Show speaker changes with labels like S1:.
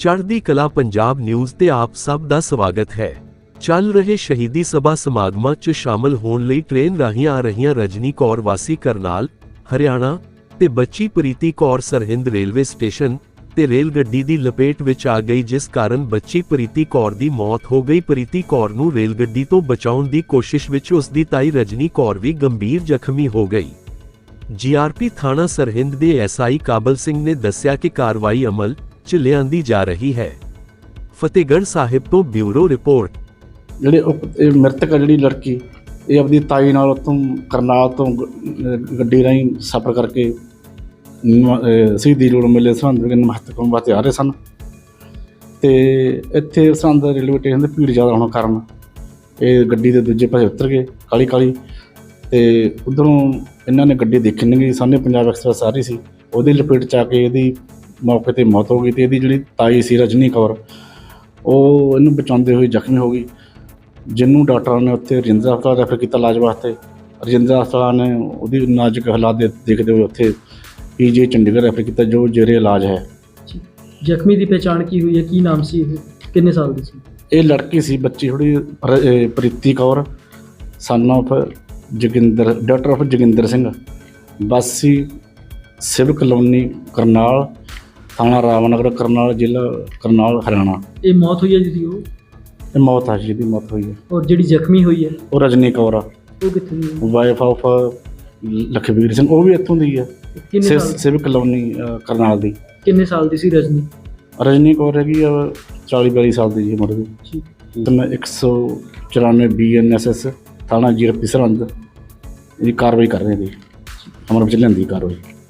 S1: ਚੜ੍ਹਦੀ ਕਲਾ ਪੰਜਾਬ ਨਿਊਜ਼ ਤੇ ਆਪ ਸਭ ਦਾ ਸਵਾਗਤ ਹੈ। ਚੱਲ ਰਹੇ ਸ਼ਹੀਦੀ ਸਭਾ ਸਮਾਗਮਾਂ 'ਚ ਸ਼ਾਮਲ ਹੋਣ ਲਈ ਟ੍ਰੇਨ ਰਾਹੀਂ ਆ ਰਹੀਆਂ ਰਜਨੀ ਕੌਰ ਵਾਸੀ ਕਰਨਾਲ, ਹਰਿਆਣਾ ਤੇ ਬੱਚੀ ਪ੍ਰੀਤੀ ਕੌਰ ਸਰਹਿੰਦ ਰੇਲਵੇ ਸਟੇਸ਼ਨ ਤੇ ਰੇਲ ਗੱਡੀ ਦੀ ਲਪੇਟ ਵਿੱਚ ਆ ਗਈ, ਜਿਸ ਕਾਰਨ ਬੱਚੀ ਪ੍ਰੀਤੀ ਕੌਰ ਦੀ ਮੌਤ ਹੋ ਗਈ। ਪ੍ਰੀਤੀ ਕੌਰ ਨੂੰ ਰੇਲ ਗੱਡੀ ਤੋਂ ਬਚਾਉਣ ਦੀ ਕੋਸ਼ਿਸ਼ ਵਿੱਚ ਉਸ ਦੀ ਤਾਈ ਰਜਨੀ ਕੌਰ ਵੀ ਗੰਭੀਰ ਜ਼ਖਮੀ ਹੋ ਗਈ। ਜੀਆਰਪੀ ਥਾਣਾ ਸਰਹਿੰਦ ਦੇ ਐਸਆਈ ਕਾਬਲ ਸਿੰਘ ਨੇ ਦੱਸਿਆ ਕਿ ਕਾਰਵਾਈ ਅਮਲ 'ਚ ਲਿਆਂਦੀ ਜਾ ਰਹੀ ਹੈ। ਫਤਿਹਗੜ੍ਹ ਸਾਹਿਬ ਤੋਂ ਬਿਊਰੋ ਰਿਪੋਰਟ।
S2: ਜਿਹੜੇ ਮ੍ਰਿਤਕ ਜਿਹੜੀ ਲੜਕੀ ਇਹ ਆਪਣੀ ਤਾਈ ਨਾਲ ਉੱਥੋਂ ਕਰਨਾਲ ਤੋਂ ਗੱਡੀ ਰਾਹੀਂ ਸਫ਼ਰ ਕਰਕੇ ਸ਼ਹੀਦੀ ਜੋੜ ਮੇਲੇ ਸਰਹੰਦ ਵਿੱਚ ਮਹੱਤਵਪੂਰਨ ਵਾਸਤੇ ਆ ਰਹੇ ਸਨ ਅਤੇ ਇੱਥੇ ਸਰਹੰਦ ਰੇਲਵੇ ਸਟੇਸ਼ਨ 'ਤੇ ਭੀੜ ਜ਼ਿਆਦਾ ਹੋਣ ਕਾਰਨ ਇਹ ਗੱਡੀ ਦੇ ਦੂਜੇ ਪਾਸੇ ਉਤਰ ਗਏ ਕਾਹਲੀ ਕਾਹਲੀ, ਅਤੇ ਉੱਧਰੋਂ ਇਹਨਾਂ ਨੇ ਗੱਡੀ ਦੇਖੀ ਨਹੀਂ ਗਈ। ਸਾਹਮਣੇ ਪੰਜਾਬ ਐਕਸਪ੍ਰੈਸ ਆ ਰਹੀ ਸੀ, ਉਹਦੀ ਲਪੇਟ 'ਚ ਆ ਕੇ ਇਹਦੀ ਮੌਕੇ 'ਤੇ ਮੌਤ ਹੋ ਗਈ ਅਤੇ ਇਹਦੀ ਜਿਹੜੀ ਤਾਈ ਸੀ ਰਜਨੀ ਕੌਰ ਉਹ ਇਹਨੂੰ ਬਚਾਉਂਦੇ ਹੋਏ ਜ਼ਖਮੀ ਹੋ ਗਈ, ਜਿਹਨੂੰ ਡਾਕਟਰਾਂ ਨੇ ਉੱਥੇ ਰਜਿੰਦਰਾ ਹਸਪਤਾਲ ਰੈਫਰ ਕੀਤਾ ਇਲਾਜ ਵਾਸਤੇ। ਰਜਿੰਦਰਾ ਹਸਪਤਾਲ ਨੇ ਉਹਦੀ ਨਾਜ਼ੁਕ ਹਾਲਾਤ ਦੇਖਦੇ ਹੋਏ ਉੱਥੇ ਪੀਜੀ ਚੰਡੀਗੜ੍ਹ ਰੈਫਰ ਕੀਤਾ, ਜੋ ਜ਼ੇਰੇ ਇਲਾਜ ਹੈ।
S3: ਜ਼ਖਮੀ ਦੀ ਪਹਿਚਾਣ ਕੀ ਹੋਈ ਹੈ? ਕੀ ਨਾਮ ਸੀ? ਇਹ ਕਿੰਨੇ ਸਾਲ ਦੀ ਸੀ?
S2: ਇਹ ਲੜਕੀ ਸੀ ਬੱਚੀ ਥੋੜ੍ਹੀ Preeti Kaur son of Joginder, doctor of Joginder Singh, ਵਾਸੀ ਸਿਵ ਕਲੋਨੀ ਕਰਨਾਲ, ਥਾਣਾ ਰਾਮਨਗਰ ਕਰਨਾਲ, ਜ਼ਿਲ੍ਹਾ ਕਰਨਾਲ, ਹਰਿਆਣਾ।
S3: ਇਹ ਮੌਤ ਹੋਈ ਹੈ ਜਿਹਦੀ
S2: ਇਹ ਮੌਤ ਆ, ਜਿਹਦੀ ਮੌਤ ਹੋਈ ਹੈ।
S3: ਔਰ ਜਿਹੜੀ ਜ਼ਖਮੀ ਹੋਈ ਹੈ
S2: ਉਹ ਰਜਨੀ ਕੌਰ ਆ,
S3: ਉਹ ਕਿੱਥੇ ਦੀ ਹੈ?
S2: ਵਾਈਫ ਆਫ ਲਖਬੀਰ ਸਿੰਘ, ਉਹ ਵੀ ਇੱਥੋਂ ਦੀ ਹੈ,
S3: ਕਿੰਨੇ ਸਾਲ?
S2: ਸਿਵ ਕਲੋਨੀ ਕਰਨਾਲ ਦੀ।
S3: ਕਿੰਨੇ ਸਾਲ ਦੀ ਸੀ ਰਜਨੀ?
S2: ਰਜਨੀ ਕੌਰ ਹੈਗੀ ਆ 40-42 ਸਾਲ ਦੀ ਜੀ ਉਮਰ ਦੀ।
S3: ਠੀਕ।
S2: ਤੇ ਮੈਂ 194 BNSS ਥਾਣਾ ਜੀਆਰਪੀ ਸਰਹੰਦ ਦੀ ਕਾਰਵਾਈ ਕਰ ਰਹੇ ਜੀ, ਅਮਰ ਵਿੱਚ ਲਿਆਂਦੀ ਕਾਰਵਾਈ।